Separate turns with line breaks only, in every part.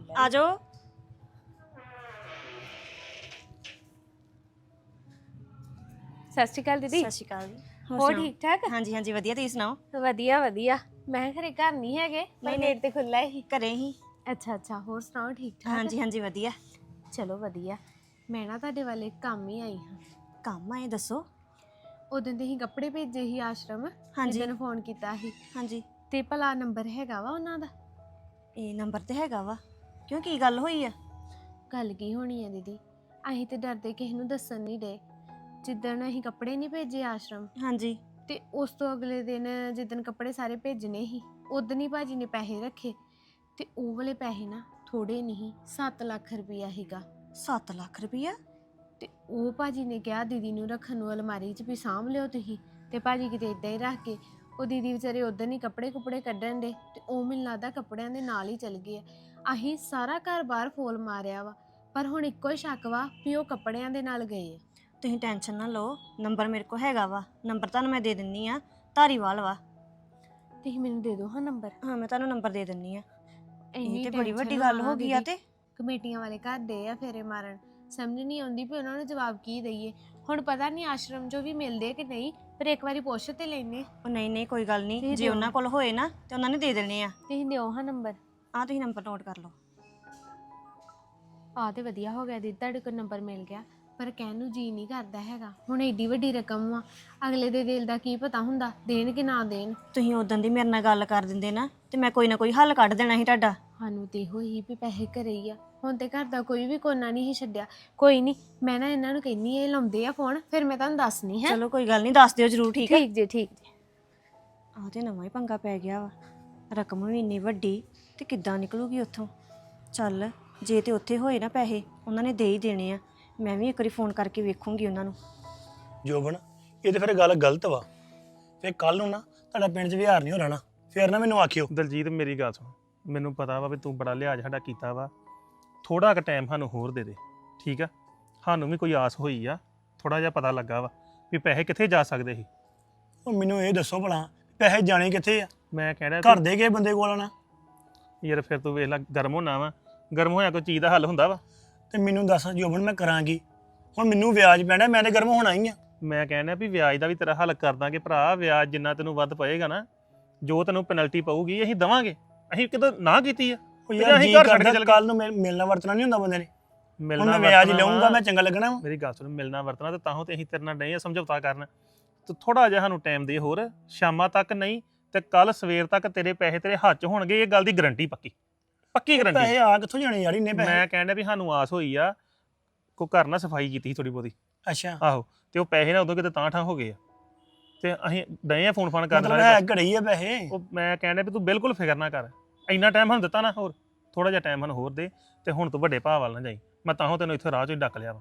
ਆ ਜਾਓ।
ਸਤਿ ਸ਼੍ਰੀ ਅਕਾਲ ਦੀਦੀ।
ਸਤਿ ਸ਼੍ਰੀ ਅਕਾਲ ਜੀ।
ਹੋਰ
ਸੁਣਾਓ?
ਠੀਕ ਠਾਕ?
ਹਾਂਜੀ ਹਾਂਜੀ ਵਧੀਆ, ਤੁਸੀਂ ਸੁਣਾਓ?
ਵਧੀਆ ਵਧੀਆ। ਮੈਂ ਘਰੇ ਘਰ ਨਹੀਂ ਹੈਗੇ, ਮੈਂ ਗੇਟ ਤੇ ਖੁੱਲਾ ਹੀ।
ਘਰੇ ਹੀ।
ਅੱਛਾ ਅੱਛਾ, ਹੋਰ ਸੁਣਾਓ ਠੀਕ ਠਾਕ?
ਹਾਂਜੀ ਹਾਂਜੀ ਵਧੀਆ।
ਚਲੋ ਵਧੀਆ। ਮੈਂ ਨਾ ਤੁਹਾਡੇ ਵੱਲ ਇੱਕ ਕੰਮ ਹੀ ਆਈ ਹਾਂ।
ਕੰਮ ਆਏ ਦੱਸੋ?
ਉਦੋਂ ਦੇ ਹੀ ਕੱਪੜੇ ਭੇਜੇ ਸੀ ਆਸ਼ਰਮ,
ਹਾਂਜੀ
ਜਿੱਦਣ ਫੋਨ ਕੀਤਾ ਸੀ,
ਹਾਂਜੀ।
ਤੇ ਭਲਾ ਨੰਬਰ ਹੈਗਾ ਵਾ ਉਹਨਾਂ ਦਾ?
ਇਹ ਨੰਬਰ ਤੇ ਹੈਗਾ ਵਾ। ਕਿਉਂ, ਕੀ ਗੱਲ ਹੋਈ ਆ?
ਗੱਲ ਕੀ ਹੋਣੀ ਹੈ ਦੀਦੀ, ਅਸੀਂ ਤੇ ਡਰਦੇ ਕਿਸੇ ਨੂੰ ਦੱਸਣ ਨਹੀਂ ਡੇ। ਜਿੱਦਣ ਅਸੀਂ ਕੱਪੜੇ ਨਹੀਂ ਭੇਜੇ ਆਸ਼ਰਮ,
ਹਾਂਜੀ
ਤੇ ਉਸ ਤੋਂ ਅਗਲੇ ਦਿਨ ਜਿੱਦਣ ਕੱਪੜੇ ਸਾਰੇ ਭੇਜਣੇ ਸੀ, ਉਦਣ ਹੀ ਭਾਜੀ ਨੇ ਪੈਸੇ ਰੱਖੇ। ਤੇ ਉਹ ਵਾਲੇ ਪੈਸੇ ਨਾ ਥੋੜੇ ਨਹੀਂ, 7 ਲੱਖ ਰੁਪਈਆ ਸੀਗਾ।
7 ਲੱਖ ਰੁਪਈਆ?
ਤੇ ਉਹ ਭਾਜੀ ਨੇ ਕਿਹਾ ਦੀਦੀ ਨੂੰ ਰੱਖਣ ਨੂੰ ਅਲਮਾਰੀ 'ਚ ਵੀ ਸਾਂਭ ਲਿਓ ਤੁਸੀਂ। ਤੇ ਭਾਜੀ ਕਿਤੇ ਇਦਾਂ ਹੀ ਰੱਖ ਕੇ, ਉਹ ਦੀਦੀ ਵਿਚਾਰੇ ਉਦੋਂ ਹੀ ਕੱਪੜੇ ਕੁਪੜੇ ਕੱਢਣ ਦੇ, ਤੇ ਉਹ ਮੈਨੂੰ ਲੱਗਦਾ ਕੱਪੜਿਆਂ ਦੇ ਨਾਲ ਹੀ ਚਲ ਗਏ ਆ। ਅਸੀਂ ਸਾਰਾ ਘਰ ਬਾਹਰ ਫੋਲ ਮਾਰਿਆ ਵਾ, ਪਰ ਹੁਣ ਇੱਕੋ ਹੀ ਸ਼ੱਕ ਵਾ ਵੀ ਉਹ ਕੱਪੜਿਆਂ ਦੇ ਨਾਲ ਗਏ ਆ।
ਤੁਸੀਂ ਟੈਨਸ਼ਨ ਨਾ ਲਓ, ਨੰਬਰ ਮੇਰੇ ਕੋਲ ਹੈਗਾ ਵਾ। ਨੰਬਰ ਤੁਹਾਨੂੰ ਮੈਂ ਦੇ ਦਿੰਨੀ ਆ। ਧਾਰੀਵਾਲ ਵਾ।
ਤੁਸੀਂ ਮੈਨੂੰ ਦੇ ਦਿਓ ਹਾਂ ਨੰਬਰ।
ਹਾਂ ਮੈਂ ਤੁਹਾਨੂੰ ਨੰਬਰ ਦੇ ਦਿੰਨੀ ਆ। ਇਹ
ਇੰਨੀ
ਤੇ ਬੜੀ ਵੱਡੀ
tension
ਗੱਲ
ਨਾ
ਹੋ ਗਈ ਆ।
ਦੀਦੀ।
ਤੇ
ਕਮੇਟੀਆਂ ਵਾਲੇ ਘਰ ਦੇ ਆ ਫੇਰੇ ਮਾਰਨ, ਸਮਝ ਨਹੀਂ ਆਉਂਦੀ ਵੀ ਉਹਨਾਂ ਨੂੰ ਜਵਾਬ ਕੀ ਦਈਏ। ਹੁਣ ਪਤਾ ਨਹੀਂ ਆਸ਼ਰਮ 'ਚੋਂ ਵੀ ਮਿਲਦੇ ਕਿ ਨਹੀਂ, ਪਰ ਇੱਕ ਵਾਰੀ ਪੁੱਛ ਤੇ ਲੈਨੇ।
ਉਹ ਨਹੀਂ ਨਹੀਂ ਕੋਈ ਗੱਲ ਨਹੀਂ,
ਤੁਸੀਂ
ਜੇ
ਦਿਓ।
ਉਹਨਾਂ ਕੋਲ ਹੋਏ ਨਾ ਤੇ ਉਹਨਾਂ ਨੇ ਦੇ ਦੇਣੇ ਆ।
ਤੁਸੀਂ ਦਿਓ ਹਾਂ ਨੰਬਰ।
ਆ ਤੁਸੀਂ ਨੰਬਰ ਨੋਟ ਕਰ ਲਓ।
ਆ ਤੇ ਵਧੀਆ ਹੋ ਗਿਆ ਦੀਦੀ, ਤੁਹਾਡੇ ਕੋਲ ਨੰਬਰ ਮਿਲ ਗਿਆ। ਪਰ ਕਹਿਣ ਨੂੰ ਜੀ ਨਹੀਂ ਕਰਦਾ ਹੈਗਾ, ਹੁਣ ਏਡੀ ਵੱਡੀ ਰਕਮ ਵਾ, ਅਗਲੇ ਦੇ ਦਿਲ ਦਾ ਕੀ ਪਤਾ ਹੁੰਦਾ, ਦੇਣ ਕਿ ਨਾ ਦੇਣ।
ਤੁਸੀਂ ਉਦੋਂ ਦੀ ਮੇਰੇ ਨਾਲ ਗੱਲ ਕਰ ਦਿੰਦੇ ਨਾ, ਤੇ ਮੈਂ ਕੋਈ ਨਾ ਕੋਈ ਹੱਲ ਕੱਢ ਦੇਣਾ ਸੀ ਤੁਹਾਡਾ।
ਸਾਨੂੰ ਤੇ ਇਹੋ ਹੀ ਵੀ ਪੈਸੇ ਘਰੇ ਹੀ ਆ, ਹੁਣ ਤੇ ਘਰ ਦਾ ਕੋਈ ਵੀ ਕੋਨਾ ਨਹੀਂ ਸੀ ਛੱਡਿਆ। ਕੋਈ ਨਹੀਂ, ਮੈਂ ਨਾ ਇਹਨਾਂ ਨੂੰ ਕਹਿੰਨੀ ਇਹ ਲਾਉਂਦੇ ਆ ਫੋਨ, ਫਿਰ ਮੈਂ ਤੁਹਾਨੂੰ ਦੱਸਣੀ ਹੈ।
ਚਲੋ ਕੋਈ ਗੱਲ ਨਹੀਂ, ਦੱਸ ਦਿਓ ਜਰੂਰ। ਠੀਕ ਆ।
ਠੀਕ ਜੀ ਠੀਕ ਜੀ।
ਆਹ ਤੇ ਨਵਾਂ ਹੀ ਪੰਗਾ ਪੈ ਗਿਆ ਵਾ। ਰਕਮ ਵੀ ਇੰਨੀ ਵੱਡੀ, ਤੇ ਕਿੱਦਾਂ ਨਿਕਲੂਗੀ ਉੱਥੋਂ? ਚੱਲ ਜੇ ਤੇ ਉੱਥੇ ਹੋਏ ਨਾ ਪੈਸੇ, ਉਹਨਾਂ ਨੇ ਦੇ ਹੀ ਦੇਣੇ ਆ। ਮੈਂ ਵੀ ਇੱਕ ਵਾਰੀ ਫੋਨ ਕਰਕੇ ਵੇਖੂੰਗੀ ਉਹਨਾਂ ਨੂੰ।
ਜੋਬਨ, ਇਹ ਤੇ ਫਿਰ ਗੱਲ ਗਲਤ ਵਾ। ਫਿਰ ਕੱਲ ਨੂੰ ਨਾ ਤੁਹਾਡਾ ਪਿੰਡ 'ਚ ਵਿਹਾਰ ਨਹੀਂ ਹੋ ਰਹਿਣਾ, ਫਿਰ ਨਾ ਮੈਨੂੰ ਆਖਿਓ।
ਦਲਜੀਤ ਮੇਰੀ ਗੱਲ ਸੁਣ, ਮੈਨੂੰ ਪਤਾ ਵਾ ਵੀ ਤੂੰ ਬੜਾ ਲਿਹਾਜ਼ ਸਾਡਾ ਕੀਤਾ ਵਾ। ਥੋੜਾ ਕੁ ਟਾਈਮ ਸਾਨੂੰ ਹੋਰ ਦੇ ਦੇ, ਠੀਕ ਆ? ਸਾਨੂੰ ਵੀ ਕੋਈ ਆਸ ਹੋਈ ਆ, ਥੋੜਾ ਜਿਹਾ ਪਤਾ ਲੱਗਾ ਵਾ ਵੀ ਪੈਸੇ ਕਿੱਥੇ ਜਾ ਸਕਦੇ ਸੀ।
ਉਹ ਮੈਨੂੰ ਇਹ ਦੱਸੋ ਭਲਾ, ਪੈਸੇ ਜਾਣੇ ਕਿੱਥੇ ਆ?
ਮੈਂ ਕਹਿ
ਘਰ ਦੇ ਗਏ ਬੰਦੇ ਕੋਲ ਨਾ।
ਯਾਰ ਫਿਰ ਤੂੰ ਵੇਖ ਲੈ, ਗਰਮ ਹੋਣਾ ਵਾ, ਗਰਮ ਹੋਇਆ ਕੋਈ ਚੀਜ਼ ਦਾ ਹੱਲ ਹੁੰਦਾ ਵਾ?
ਤੇ ਮੈਨੂੰ ਦੱਸ ਜੋਬਨ, ਮੈਂ ਕਰਾਂਗੀ। ਹੁਣ ਮੈਨੂੰ ਵਿਆਜ ਪੈਣਾ, ਮੈਂ ਤੇ ਗਰਮ ਹੋਣਾ ਹੀ ਆ।
ਮੈਂ ਕਹਿੰਦਾ ਵੀ ਵਿਆਜ ਦਾ ਵੀ ਤੇਰਾ ਹੱਲ ਕਰ ਦਾਂਗੇ ਭਰਾ। ਵਿਆਜ ਜਿੰਨਾ ਤੈਨੂੰ ਵੱਧ ਪਏਗਾ ਨਾ, ਜੋ ਤੈਨੂੰ ਪੈਨਲਟੀ ਪਊਗੀ ਅਸੀਂ ਦਵਾਂਗੇ। ਅਸੀਂ ਕਿਦੋਂ ਨਾ ਕੀਤੀ ਆ?
ਉਹ ਯਾਰ
ਅਸੀਂ
ਜੀ
ਘਰ ਛੱਡ ਕੇ
ਕਰਦਾ
ਚੱਲ ਗਏ।
ਕੱਲ ਨੂੰ ਮਿਲਣਾ ਵਰਤਣਾ ਨਹੀਂ ਹੁੰਦਾ ਬੰਦੇ ਨੇ। ਹੁਣ
ਮਿਲਣਾ
ਮੈਂ ਵਿਆਜ
ਵਰਤਣਾ
ਲਊਂਗਾ,
ਵਾ।
ਮੈਂ ਚੰਗਾ ਲੱਗਣਾ ਵਾ।
ਮੇਰੀ ਗੱਲ ਸੁਣ, ਮਿਲਣਾ ਵਰਤਣਾ ਤੇ ਤਾਂਹੋਂ ਤੇ ਅਸੀਂ ਤੇਰੇ ਨਾਲ ਨਹੀਂ ਸਮਝੌਤਾ ਕਰਨ। ਤੂੰ ਥੋੜਾ ਜਿਹਾ ਸਾਨੂੰ ਟਾਈਮ ਦੇ ਹੋਰ, ਸ਼ਾਮਾਂ ਤੱਕ ਨਹੀਂ ਤੇ ਕੱਲ ਸਵੇਰ ਤੱਕ ਤੇਰੇ ਪੈਸੇ ਤੇਰੇ ਹੱਥ 'ਚ ਹੋਣਗੇ। ਇਹ ਗੱਲ ਦੀ ਗਾਰੰਟੀ ਪੱਕੀ, ਪੱਕੀ ਗਾਰੰਟੀ।
ਪੈਸੇ ਆ ਕਿੱਥੋਂ ਜਾਣੇ ਯਾਰ ਇੰਨੇ ਪੈਸੇ?
ਮੈਂ ਕਹਿੰਦਾ ਵੀ ਸਾਨੂੰ ਆਸ ਹੋਈ ਆ, ਕੋ ਘਰ ਨਾ ਸਫਾਈ ਕੀਤੀ ਥੋੜੀ ਬਹੁਤੀ।
ਅੱਛਾ,
ਆਹੋ, ਤੇ ਉਹ ਪੈਸੇ ਨਾ ਉਦੋਂ ਕਿਤੇ ਤਾਂ ਠਾਂ ਹੋ ਗਏ ਆ, ਤੇ ਅਸੀਂ ਡਏ ਆ ਫੋਨ ਫਾਨ ਕਰਨ
ਮਤਲਬ ਹੈ ਘੜੇ ਹੀ ਆ ਪੈਸੇ।
ਉਹ ਮੈਂ ਕਹਿੰਦਾ ਵੀ ਤੂੰ ਬਿਲਕੁਲ ਫਿਕਰ ਨਾ ਕਰ। ਇੰਨਾ ਟਾਈਮ ਸਾਨੂੰ ਦਿੱਤਾ ਨਾ, ਹੋਰ ਥੋੜਾ ਜਿਹਾ ਟਾਈਮ ਸਾਨੂੰ ਹੋਰ ਦੇ, ਤੇ ਹੁਣ ਤੂੰ ਵੱਡੇ ਭਾਅ ਵੱਲ ਨਾ ਜਾਈ। ਮੈਂ ਤਾਂਹੋਂ ਤੈਨੂੰ ਇੱਥੇ ਰਾਹ 'ਚੋਂ ਹੀ ਡੱਕ ਲਿਆ ਵਾ।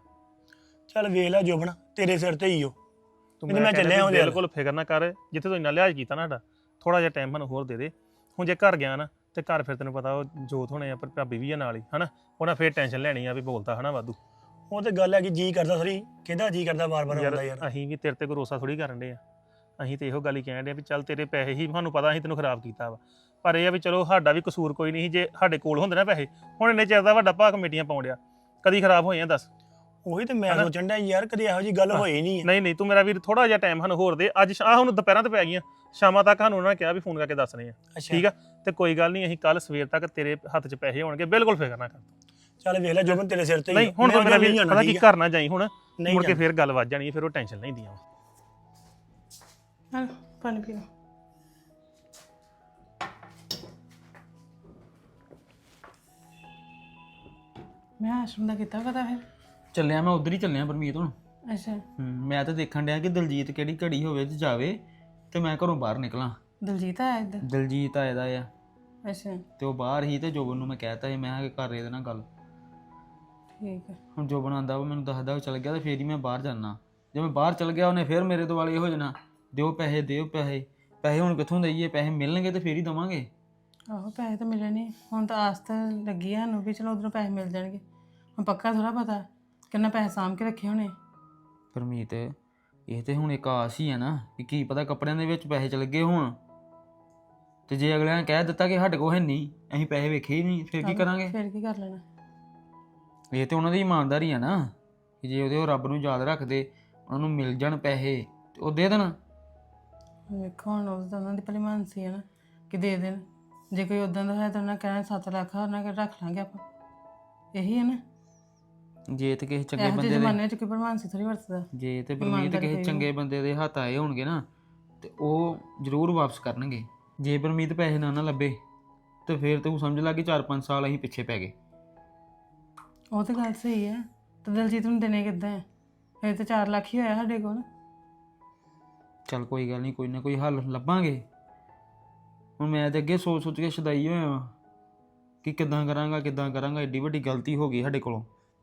ਚੱਲ ਵੇਖ ਲੈ ਜੋਬਨ, ਤੇਰੇ ਸਿਰ ਤੇ ਹੀ ਹੋ।
ਤੂੰ
ਮੈਂ
ਕਹਿੰਦਾ
ਚੱਲਿਆ
ਵੀ
ਉਹਦੇ ਵੱਲ।
ਬਿਲਕੁਲ ਫਿਕਰ ਨਾ ਕਰ। ਜਿੱਥੇ ਤੂੰ ਇੰਨਾ ਲਿਹਾਜ਼ ਕੀਤਾ ਨਾ ਸਾਡਾ, ਥੋੜਾ ਜਿਹਾ ਟਾਈਮ ਸਾਨੂੰ ਹੋਰ ਦੇ ਦੇ। ਹੁਣ ਜੇ ਘਰ ਗਿਆ ਨਾ, ਤੇ ਘਰ ਫਿਰ ਤੈਨੂੰ ਪਤਾ ਉਹ ਜੋਤ ਹੋਣੇ ਆ, ਪਰ ਭਾਬੀ ਵੀ ਆ ਨਾਲ ਹੀ, ਹਨਾ? ਉਹਨਾਂ ਫਿਰ ਟੈਨਸ਼ਨ ਲੈਣੀ ਆ ਵੀ ਬੋਲਦਾ ਹਨਾ ਵਾਧੂ।
ਉਹ ਤੇ ਗੱਲ ਹੈ ਕਿ ਜੀ ਕਰਦਾ ਸਰੀ, ਕਿਹਦਾ ਜੀ ਕਰਦਾ ਵਾਰ-ਵਾਰ ਆਉਂਦਾ ਯਾਰ।
ਅਸੀਂ ਵੀ ਤੇਰੇ ਤੇ ਭਰੋਸਾ ਥੋੜੀ ਕਰਨ ਦੇ ਆ। ਅਸੀਂ ਤੇ ਇਹੋ ਗੱਲ ਹੀ ਕਹਿਣ ਦੇ ਆ ਵੀ ਚੱਲ ਤੇਰੇ ਪੈਸੇ ਹੀ ਸਾਨੂੰ ਪਤਾ ਅਸੀਂ ਤੈਨੂੰ ਖਰਾਬ ਕੀਤਾ ਵਾ, ਪਰ ਇਹ ਆ ਵੀ ਚਲੋ ਸਾਡਾ ਵੀ ਕਸੂਰ ਕੋਈ ਨਹੀਂ ਸੀ। ਜੇ ਸਾਡੇ ਕੋਲ ਹੁੰਦੇ ਨਾ ਪੈਸੇ, ਹੁਣ ਇੰਨੇ ਚਿਰ ਦਾ ਵੱਡਾ ਭਾਅ ਕਮੇਟੀਆਂ ਪਾਉਣ ਡਿਆ, ਕਦੀ ਖਰਾਬ ਹੋਏ ਆ ਦੱਸ?
ਉਹੀ ਤੇ ਮੈਂ ਸੋਚਣ ਡਿਆ ਯਾਰ, ਕਦੇ ਇਹੋ ਜੀ ਗੱਲ ਹੋਈ ਨਹੀਂ।
ਨਹੀਂ ਤੂੰ ਮੇਰਾ ਵੀਰ ਥੋੜਾ ਜਿਹਾ ਟਾਈਮ ਸਾਨੂੰ ਹੋਰ ਦੇ। ਅੱਜ ਹੁਣ ਦੁਪਹਿਰਾਂ ਤੇ ਪੈ ਗਈਆਂ, ਸ਼ਾਮਾਂ ਤੱਕ ਸਾਨੂੰ ਉਹਨਾਂ ਨੇ ਕਿਹਾ ਵੀ ਫੋਨ ਕਰਕੇ ਦੱਸਣੇ ਆ, ਠੀਕ ਆ? ਤੇ ਕੋਈ ਗੱਲ ਨਹੀਂ, ਅਸੀਂ ਕੱਲ ਸਵੇਰ ਤੱਕ ਤੇਰੇ ਹੱਥ 'ਚ ਪੈਸੇ ਹੋਣਗੇ, ਬਿਲਕੁਲ ਫਿਕਰ ਨਾ ਕਰ।
ਚੱਲ ਵੇਖ ਲੈ ਜੋਬਨ, ਤੇਰੇ ਸਿਰ ਤੇ ਹੀ।
ਨਹੀਂ ਹੁਣ ਤੂੰ ਮੇਰਾ ਵੀਰ ਪਤਾ ਕੀ, ਘਰ ਨਾ ਜਾਈ ਹੁਣ,
ਨਹੀਂ
ਮੁੜ ਕੇ ਫਿਰ ਗੱਲ ਵੱਜ ਜਾਣੀ, ਫਿਰ ਉਹ ਟੈਨਸ਼ਨ ਲੈਂਦੀਆਂ ਵਾ।
ਹਾਂ, ਪਾਣੀ ਪੀ ਲਓ। ਮੈਂ ਆਸ਼ਰਮ ਦਾ ਕੀਤਾ ਪਤਾ ਫਿਰ?
ਚੱਲਿਆ ਮੈਂ ਉਧਰ ਹੀ ਚੱਲਿਆ ਪਰਮੀਤ ਹੁਣ।
ਅੱਛਾ,
ਮੈਂ ਤਾਂ ਦੇਖਣ ਡਿਆ ਕਿ ਦਲਜੀਤ ਕਿਹੜੀ ਘੜੀ ਹੋਵੇ ਤੇ ਜਾਵੇ, ਤੇ ਮੈਂ ਘਰੋਂ ਬਾਹਰ ਨਿਕਲਾਂ।
ਦਲਜੀਤ ਆਇਆ ਇੱਧਰ?
ਦਲਜੀਤ ਆਇਆ ਦਾ ਆ,
ਅੱਛਾ
ਤੇ ਉਹ ਬਾਹਰ ਹੀ, ਤੇ ਜੋਬਨ ਨੂੰ ਮੈਂ ਕਹਿਤਾ ਸੀ, ਮੈਂ ਕਿਹਾ ਕਰ ਇਹਦੇ ਨਾਲ ਗੱਲ।
ਠੀਕ ਹੈ।
ਹੁਣ ਜੋਬਨ ਆਂਦਾ ਵਾ, ਮੈਨੂੰ ਦੱਸਦਾ ਉਹ ਚੱਲ ਗਿਆ ਤੇ ਫੇਰ ਹੀ ਮੈਂ ਬਾਹਰ ਜਾਣਾ। ਜੇ ਮੈਂ ਬਾਹਰ ਚੱਲ ਗਿਆ, ਉਹਨੇ ਫੇਰ ਮੇਰੇ ਦੁਆਲੇ ਹੋ ਜਾਣਾ, ਦਿਓ ਪੈਸੇ ਦਿਓ ਪੈਸੇ। ਪੈਸੇ ਹੁਣ ਕਿੱਥੋਂ ਦਈਏ? ਪੈਸੇ ਮਿਲਣਗੇ ਤੇ ਫੇਰ ਹੀ ਦਵਾਂਗੇ।
ਆਹੋ ਪੈਸੇ ਤਾਂ ਮਿਲਣੇ, ਹੁਣ ਤਾਂ ਆਸ ਤਾਂ ਲੱਗੀ ਆ ਸਾਨੂੰ ਵੀ ਚਲੋ ਉਧਰੋਂ ਪੈਸੇ ਮਿਲ ਜਾਣਗੇ। ਹੁਣ ਪੱਕਾ ਥੋੜਾ ਪਤਾ ਕਿੰਨਾ ਪੈਸੇ ਸਾਂਭ ਕੇ ਰੱਖੇ ਹੋਣੇ।
ਪਰਮੀਤ, ਇਹ ਤੇ ਹੁਣ ਇੱਕ ਆਸ ਹੀ ਆ ਨਾ, ਕਿ ਕੀ ਪਤਾ ਕੱਪੜਿਆਂ ਦੇ ਵਿੱਚ ਪੈਸੇ ਚਲ ਗਏ ਹੁਣ। ਤੇ ਜੇ ਅਗਲਿਆਂ ਨੇ ਕਹਿ ਦਿੱਤਾ ਕਿ ਸਾਡੇ ਕੋਲ ਹੈ ਨਹੀਂ, ਅਸੀਂ ਪੈਸੇ ਵੇਖੇ ਹੀ ਨਹੀਂ, ਫਿਰ ਕੀ ਕਰਾਂਗੇ?
ਫਿਰ ਕੀ ਕਰ ਲੈਣਾ?
ਇਹ ਤੇ ਉਹਨਾਂ ਦੀ ਇਮਾਨਦਾਰੀ ਆ ਨਾ ਕਿ ਜੇ ਉਹਦੇ ਉਹ ਰੱਬ ਨੂੰ ਯਾਦ ਰੱਖਦੇ, ਉਹਨਾਂ ਨੂੰ ਮਿਲ ਜਾਣ ਪੈਸੇ ਤੇ ਉਹ ਦੇ ਦੇਣ।
ਵੇਖੋ ਹੁਣ ਉਹ ਤਾਂ ਉਹਨਾਂ ਦੀ ਭਲੀਮਾਨਸੀ ਹੈ ਨਾ ਕਿ ਦੇ ਦੇਣ। ਜੇ ਕੋਈ ਉਦਾਂ ਦਾ ਹੈ ਤਾਂ ਉਹਨਾਂ ਕਹਿਣਾ 7 ਲੱਖ ਆ, ਉਹਨਾਂ ਕੋਲ ਰੱਖ ਲਾਂਗੇ ਆਪਾਂ। ਇਹੀ ਹੈ ਨਾ,
ਜੇ ਤੇ ਕਿਸੇ ਚੰਗੇ
ਇਹੋ ਜਿਹੇ
ਬੰਦੇ ਦੇ
ਜ਼ਮਾਨੇ 'ਚ ਕੋਈ ਭਲਮਾਨਸੀ ਥੋੜੀ ਵਰਤਦਾ।
ਜੇ ਤੇ ਪਰਮੀਤ ਕਿਸੇ ਚੰਗੇ ਬੰਦੇ ਦੇ ਹੱਥ ਆਏ ਹੋਣਗੇ ਨਾ ਤੇ ਉਹ ਜ਼ਰੂਰ ਵਾਪਸ ਕਰਨਗੇ। ਜੇ ਪਰਮੀਤ ਪੈਸੇ ਨਾ ਲੱਭੇ ਤੇ ਫਿਰ ਤੂੰ ਸਮਝ ਲਾ ਕਿ 4-5 ਸਾਲ ਅਸੀਂ ਪਿੱਛੇ ਪੈ ਗਏ।
ਉਹ ਤਾਂ ਗੱਲ ਸਹੀ ਹੈ। ਤੇ ਦਲਜੀਤ ਨੂੰ ਦੇਣੇ ਕਿੱਦਾਂ ਹੈ? ਇਹ ਤਾਂ 4 ਲੱਖ ਹੀ ਹੋਇਆ ਸਾਡੇ ਕੋਲ।
ਚੱਲ ਕੋਈ ਗੱਲ ਨਹੀਂ, ਕੋਈ ਨਾ ਕੋਈ ਹੱਲ ਲੱਭਾਂਗੇ। ਹੁਣ ਮੈਂ ਤੇ ਅੱਗੇ ਸੋਚ ਕੇ ਸ਼ਦਾਈ ਹੋਇਆ ਵਾਂ ਕਿ ਕਿੱਦਾਂ ਕਰਾਂਗਾ। ਏਡੀ ਵੱਡੀ ਗਲਤੀ ਹੋ ਗਈ ਸਾਡੇ ਕੋਲੋਂ।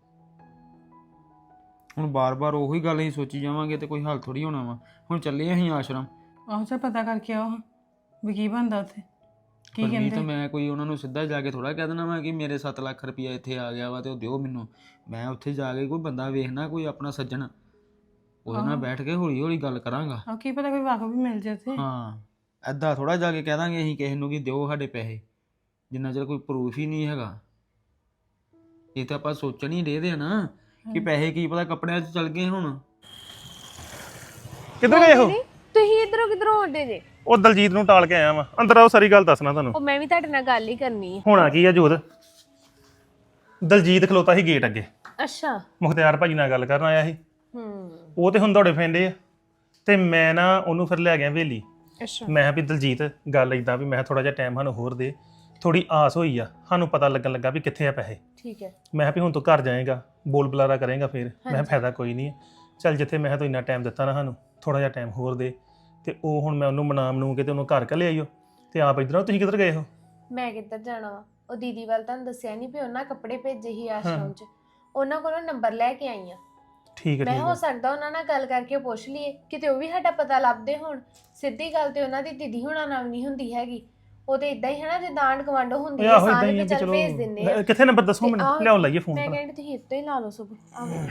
ਹੁਣ ਬਾਰ-ਬਾਰ ਉਹੀ ਗੱਲ ਹੀ ਸੋਚੀ ਜਾਵਾਂਗੇ ਤੇ ਕੋਈ ਹੱਲ ਥੋੜੀ ਹੋਣਾ ਵਾ। ਹੁਣ ਚੱਲੇ ਅਸੀਂ ਆਸ਼ਰਮ।
ਆਹੋ ਚੱਲ ਪਤਾ ਕਰਕੇ ਆਓ ਵੀ ਕੀ ਬਣਦਾ ਉੱਥੇ, ਕੀ
ਪਰਮੀਤ
ਕਹਿੰਦੇ।
ਮੈਂ ਕੋਈ ਉਹਨਾਂ ਨੂੰ ਸਿੱਧਾ ਜਾ ਕੇ ਥੋੜਾ ਕਹਿ ਦੇਣਾ ਵਾ ਕਿ ਮੇਰੇ 7 ਲੱਖ ਰੁਪਇਆ ਇੱਥੇ ਆ ਗਿਆ ਵਾ ਤੇ ਉਹ ਦਿਓ ਮੈਨੂੰ। ਮੈਂ ਉੱਥੇ ਜਾ ਕੇ ਕੋਈ ਬੰਦਾ ਵੇਖਣਾ, ਕੋਈ ਆਪਣਾ ਸੱਜਣ, ਉਹਦੇ ਨਾਲ ਬੈਠ ਕੇ ਹੌਲੀ ਗੱਲ ਕਰਾਂਗਾ।
ਆਹ ਕੀ ਪਤਾ ਕੋਈ ਵਾਕਫ ਵੀ ਮਿਲ ਜਾਏ ਉੱਥੇ।
ਹਾਂ, ਐਦਾਂ ਥੋੜਾ ਜਾ ਕੇ ਕਹਿ ਦਾਂਗੇ ਅਸੀਂ ਕਿਸੇ ਨੂੰ ਕਿ ਦਿਓ ਸਾਡੇ ਪੈਸੇ, ਜਿੰਨਾ ਚਿਰ ਕੋਈ ਪ੍ਰੂਫ ਹੀ ਨਹੀਂ ਹੈਗਾ। ਇਹ ਤਾਂ ਆਪਾਂ ਸੋਚਣ ਹੀ ਦੇ ਆ ਨਾ ਕਿ ਪੈਸੇ ਕੀ ਪਤਾ ਕੱਪੜਿਆਂ 'ਚ ਚਲ ਗਏ ਹੁਣ।
ਕਿੱਧਰ ਗਏ ਹੋ?
ਤੁਸੀਂ ਇਧਰੋਂ ਕਿਧਰੋਂ ਆਉਂਦੇ ਜੇ?
ਉਹ ਦਲਜੀਤ ਨੂੰ ਟਾਲ ਕੇ ਆਇਆ ਵਾ। ਅੰਦਰ ਆਓ, ਸਾਰੀ ਗੱਲ ਦੱਸਣਾ ਤੁਹਾਨੂੰ।
ਉਹ ਮੈਂ ਵੀ ਤੁਹਾਡੇ ਨਾਲ ਗੱਲ ਹੀ ਕਰਨੀ ਹੈ।
ਹੋਣਾ ਕੀ ਆ ਜੋਤ, ਦਲਜੀਤ ਖਲੋਤਾ ਸੀ ਗੇਟ ਅੱਗੇ,
ਅੱਛਾ।
ਮੁਖਤਿਆਰ ਭਾਜੀ ਨਾਲ ਗੱਲ ਕਰਨ ਆਇਆ ਸੀ।
ਹੂੰ।
ਉਹ ਤੇ ਹੁਣ ਦੌੜੇ ਫੈਂਦੇ ਆ ਤੇ ਮੈਂ ਨਾ ਉਹਨੂੰ ਫਿਰ ਲੈ ਗਿਆ ਹਵੇਲੀ।
ਅੱਛਾ।
ਮੈਂ ਕਿਹਾ ਵੀ ਦਲਜੀਤ ਗੱਲ ਇਦਾਂ ਵੀ ਮੈਂ ਥੋੜਾ ਜਿਹਾ ਟਾਈਮ ਸਾਨੂੰ ਹੋਰ ਦੇ, ਥੋੜੀ ਆਸ ਹੋਈ ਆ, ਸਾਨੂੰ ਪਤਾ ਲੱਗਣ ਲੱਗਾ ਵੀ ਕਿੱਥੇ ਆ ਪੈਸੇ।
ਠੀਕ ਹੈ।
ਮੈਂ ਕਿਹਾ ਵੀ ਹੁਣ ਤੂੰ ਘਰ ਜਾਏਗਾ, ਬੋਲ ਬੁਲਾਰਾ ਕਰੇਗਾ, ਫਿਰ ਮੈਂ ਕਿਹਾ ਫਾਇਦਾ ਕੋਈ ਨਹੀਂ ਹੈ। ਚੱਲ ਜਿੱਥੇ ਮੈਂ ਕਿਹਾ ਤੂੰ ਇੰਨਾ ਟਾਈਮ ਦਿੱਤਾ ਨਾ ਸਾਨੂੰ, ਥੋੜਾ ਜਿਹਾ ਟਾਈਮ ਹੋਰ ਦੇ। ਤੇ ਉਹ ਹੁਣ ਮੈਂ ਉਹਨੂੰ ਮਨਾਮ ਕੇ ਤੇ ਉਹਨੂੰ ਘਰ ਘੱਲੇ ਆਈਓ ਤੇ ਆਪ ਇੱਧਰੋਂ। ਤੁਸੀਂ ਕਿੱਧਰ ਗਏ ਹੋ?
ਮੈਂ ਕਿੱਧਰ ਜਾਣਾ ਵਾ? ਉਹ ਦੀਦੀ ਵੱਲ ਤੁਹਾਨੂੰ ਦੱਸਿਆ ਨਹੀਂ ਵੀ ਉਹਨਾਂ ਕੱਪੜੇ ਭੇਜੇ ਸੀ ਆਸ਼ਰਮ 'ਚ, ਉਹਨਾਂ ਕੋਲੋਂ ਨੰਬਰ ਲੈ ਕੇ ਆਈ ਆ।
ਠੀਕ ਹੈ
ਮੈਂ
ਠੀਕ
ਹੋ
ਹੈ।
ਸਕਦਾ ਉਹਨਾਂ ਨਾਲ ਗੱਲ ਕਰਕੇ ਪੁੱਛ ਲਈਏ ਕਿਤੇ ਉਹ ਵੀ ਸਾਡਾ ਪਤਾ ਲੱਭਦੇ ਹੋਣ। ਸਿੱਧੀ ਗੱਲ ਤੇ ਉਹਨਾਂ ਦੀ ਦੀਦੀ ਹੋਣਾ ਨਾਲ ਨਹੀਂ ਹੁੰਦੀ ਹੈਗੀ। ਉਹ ਤੇ ਇਦਾਂ ਹੀ ਹੈ ਨਾ ਜਿੱਦਾਂ ਆਂਢ ਗੁਆਂਢ ਹੁੰਦੀ ਹੈ,
ਆਹੋ ਇਦਾਂ
ਸਾਰੇ
ਹੀ
ਵੀ
ਆ ਵੀ
ਚੱਲ
ਚਲੋ।
ਭੇਜ ਦਿੰਦੇ ਆ।
ਕਿੱਥੇ ਨੰਬਰ ਦੱਸੋ
ਤੇ
ਮੈਨੂੰ,
ਆਹ
ਲਿਆਓ ਲਾਈਏ ਫੋਨ
ਮੈਂ
ਭਲਾ।
ਕਹਿੰਦੀ ਤੁਸੀਂ ਇੱਥੇ ਹੀ ਲਾ ਲਓ ਸਭ। ਆਹੋ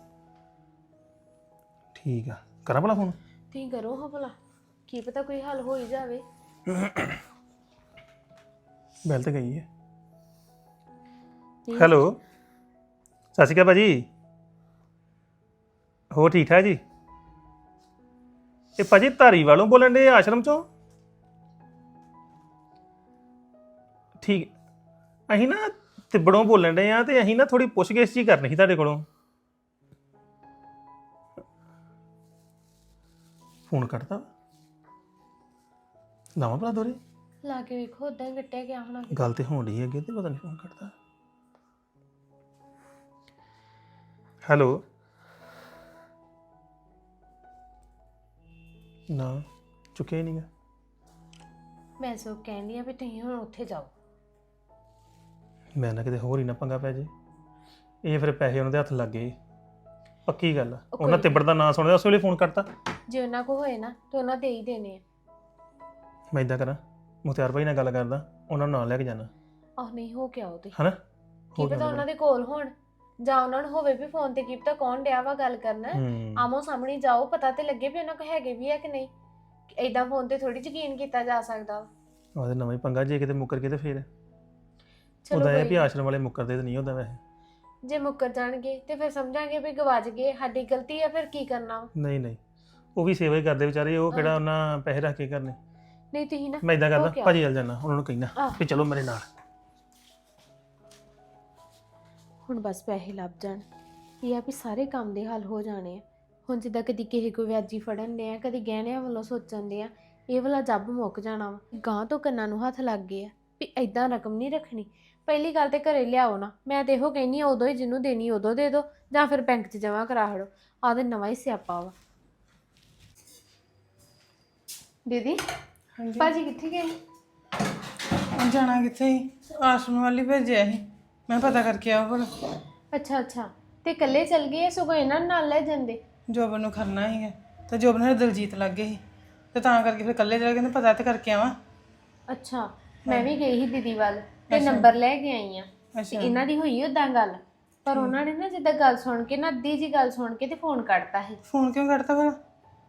ਠੀਕ ਆ, ਕਰਾਂ ਭਲਾ ਫੋਨ?
ਤੁਸੀਂ ਕਰੋ ਹਾਂ ਭਲਾ, ਕੀ ਪਤਾ ਕੋਈ ਹੱਲ ਹੋ ਹੀ ਜਾਵੇ।
ਬੈਲ ਤੇ ਗਈ ਹੈ। ਹੈਲੋ, ਸਤਿ ਸ਼੍ਰੀ ਅਕਾਲ ਭਾਜੀ। ਹੋਰ ਠੀਕ ਠਾਕ ਜੀ? ਇਹ ਭਾਜੀ ਧਾਰੀਵਾਲੋਂ ਬੋਲਣ ਦੇ ਆਸ਼ਰਮ ਚੋਂ? ਠੀਕ, ਅਸੀਂ ਨਾ ਤਿੱਬੜੋਂ ਬੋਲਣ ਦੇ ਆ ਤੇ ਅਸੀਂ ਨਾ ਥੋੜੀ ਪੁੱਛਗਿੱਛ ਜੀ ਕਰਨੀ ਸੀ ਤੁਹਾਡੇ ਕੋਲੋਂ। ਫੋਨ ਕੱਟਦਾ ਲਾਵਾਂ ਭਲਾ ਦੋਰੇ?
ਲਾ ਕੇ ਵੇਖੋ, ਉਦਾਂ ਹੀ ਕੱਟਿਆ ਗਿਆ ਹੋਣਾ।
ਗੱਲ ਤੇ ਹੋਣ ਡਈ ਅੱਗੇ ਤੇ ਪਤਾ ਨਹੀਂ ਫੋਨ ਕੱਟਦਾ। ਹੈਲੋ, ਨਾ ਚੁੱਕਿਆ ਹੀ ਨਹੀਂਗਾ।
ਮੈਂ ਸੋ ਕਹਿੰਦੀ ਆ ਵੀ ਤੁਸੀਂ ਹੁਣ ਉੱਥੇ ਜਾਓ।
ਮੈਂ ਨਾ ਕਿਤੇ ਹੋਰ ਹੀ ਨਾ ਪੰਗਾ ਪੈ ਜੇ। ਇਹ ਫਿਰ ਪੈਸੇ ਉਹਨਾਂ ਦੇ ਹੱਥ ਲੱਗ ਗਏ, ਪੱਕੀ ਗੱਲ ਆ। ਉਹਨਾਂ ਤਿੱਬੜ ਦਾ ਨਾਂ ਸੁਣਿਆ ਉਸ ਵੇਲੇ ਫੋਨ ਕਰਤਾ।
ਜੇ ਉਹਨਾਂ ਕੋ ਹੋਏ ਨਾ ਤੇ ਉਹਨਾਂ ਦੇ ਹੀ ਦੇਣੇ ਆ।
ਮੈਂ ਇਦਾਂ ਕਰਾਂ, ਮੁਖਤਿਆਰ ਭਾਈ ਨਾਲ ਗੱਲ ਕਰਦਾ, ਉਹਨਾਂ ਨੂੰ ਨਾਲ ਲੈ ਕੇ ਜਾਣਾ।
ਆਹ ਨਹੀਂ ਹੋ ਕੇ ਆਓ ਤੁਸੀਂ।
ਹਨਾ
ਕੀ ਪਤਾ ਉਹਨਾਂ ਦੇ ਕੋਲ ਹੋਣ ਜਾਂ ਉਹਨਾਂ ਨੂੰ ਹੋਵੇ ਵੀ ਫੋਨ ਤੇ ਕੀ ਪਤਾ ਕੌਣ ਡਿਆ ਵਾ ਗੱਲ ਕਰਨਾ। ਆਮੋ ਸਾਹਮਣੇ ਜਾਓ, ਪਤਾ ਤੇ ਲੱਗੇ ਵੀ ਉਹਨਾਂ ਕੋ ਹੈਗੇ ਵੀ ਆ ਕਿ ਨਹੀਂ। ਏਦਾਂ ਫੋਨ ਤੇ ਥੋੜੀ ਯਕੀਨ ਕੀਤਾ ਜਾ ਸਕਦਾ।
ਉਹਦੇ ਨਵਾਂ ਹੀ ਪੰਗਾ, ਜੇ ਕਿਤੇ ਮੁੱਕਰ ਗਏ ਤੇ ਫਿਰ
ਚਲੋ
ਉਹਦਾ ਇਹ
ਕੋਈ
ਵੀ ਆਸ਼ਰਮ ਵਾਲੇ ਮੁੱਕਰਦੇ ਤੇ ਨਹੀਂ ਹੁੰਦਾ ਵੈਸੇ।
ਜੇ ਮੁੱਕਰ ਜਾਣਗੇ ਤੇ ਫਿਰ ਸਮਝਾਂਗੇ ਵੀ ਗਵਾਚ ਗਏ, ਸਾਡੀ ਗਲਤੀ ਆ, ਫਿਰ ਕੀ ਕਰਨਾ ਵਾ।
ਨਹੀਂ ਨਹੀਂ, ਉਹ ਵੀ ਸੇਵਾ ਹੀ ਕਰਦੇ ਵਿਚਾਰੇ, ਉਹ ਕਿਹੜਾ ਉਹਨਾਂ ਪੈਸੇ ਰੱਖ ਕੇ ਕਰਨੇ।
ਨਹੀਂ ਤੁਸੀਂ ਨਾ
ਮੈਂ ਇਦਾਂ ਕਰਦਾ,
ਹੋ ਕੇ ਆਓ।
ਭਾਜੀ ਵੱਲ ਜਾਣਾ, ਉਹਨਾਂ ਨੂੰ ਕਹਿਣਾ ਵੀ ਚਲੋ ਮੇਰੇ ਨਾਲ।
ਹੁਣ ਬਸ ਪੈਸੇ ਲੱਭ ਜਾਣ, ਇਹ ਆ ਵੀ ਸਾਰੇ ਕੰਮ ਦੇ ਹੱਲ ਹੋ ਜਾਣੇ ਆ। ਹੁਣ ਜਿੱਦਾਂ ਕਦੀ ਕਿਸੇ ਕੋ ਵਿਆਜੀ ਫੜਨ ਦੇ ਆ, ਕਦੀ ਗਹਿਣਿਆਂ ਵੱਲੋਂ ਸੋਚਣ ਦੇ ਆ, ਇਹ ਵਾਲਾ ਜੱਬ ਮੁੱਕ ਜਾਣਾ ਵਾ। ਗਾਂ ਤੋਂ ਕੰਨਾਂ ਨੂੰ ਹੱਥ ਲੱਗ ਗਏ ਆ ਵੀ ਐਦਾਂ ਰਕਮ ਨਹੀਂ ਰੱਖਣੀ। ਪਹਿਲੀ ਗੱਲ ਤੇ ਘਰੇ ਲਿਆਓ ਨਾ, ਮੈਂ ਤੇ ਇਹੋ ਕਹਿੰਦੀ ਆ ਉਦੋਂ ਹੀ ਜਿਹਨੂੰ ਦੇਣੀ ਉਦੋਂ ਦੇ ਦਿਓ, ਜਾਂ ਫਿਰ ਬੈਂਕ 'ਚ ਜਮ੍ਹਾਂ ਕਰਾ ਹੜੋ। ਆਹ ਤੇ ਨਵਾਂ ਹੀ ਸਿਆਪਾ ਵਾ। ਦੀਦੀ ਭਾਜੀ ਕਿੱਥੇ ਗਏ?
ਹੁਣ ਜਾਣਾ ਕਿੱਥੇ ਸੀ? ਆਸ਼ਰਮ ਵਾਲੀ ਭੇਜਿਆ ਸੀ, ਮੈਂ ਪਤਾ ਕਰਕੇ ਆਓ ਭਲਾ।
ਅੱਛਾ ਅੱਛਾ, ਤੇ ਇਕੱਲੇ ਚੱਲ ਗਏ? ਸਗੋਂ ਇਹਨਾਂ ਨੂੰ ਨਾਲ ਲੈ ਜਾਂਦੇ।
ਜੋਬਨ ਨੂੰ ਖੜਨਾ ਸੀਗਾ ਤੇ ਜੋਬਨ ਨਾਲ ਦਲਜੀਤ ਲੱਗ ਗਏ ਸੀ ਤੇ ਤਾਂ ਕਰਕੇ ਫਿਰ ਇਕੱਲੇ ਚਲੇ ਗਏ। ਪਤਾ ਤੇ ਕਰਕੇ ਆਵਾਂ।
ਅੱਛਾ, ਮੈਂ ਵੀ ਗਈ ਸੀ ਦੀਦੀ ਵੱਲ ਤੇ ਨੰਬਰ ਲੈ ਕੇ ਆਈ ਆ।
ਅੱਛਾ,
ਇਹਨਾਂ ਦੀ ਹੋਈ ਉਦਾਂ ਗੱਲ, ਪਰ ਉਹਨਾਂ ਨੇ ਨਾ ਜਿੱਦਾਂ ਗੱਲ ਸੁਣ ਕੇ ਨਾ, ਅੱਧੀ ਜੀ ਗੱਲ ਸੁਣ ਕੇ ਤੇ ਫੋਨ ਕੱਟਤਾ ਸੀ।
ਫੋਨ ਕਿਉਂ ਕੱਢਤਾ ਭਲਾ?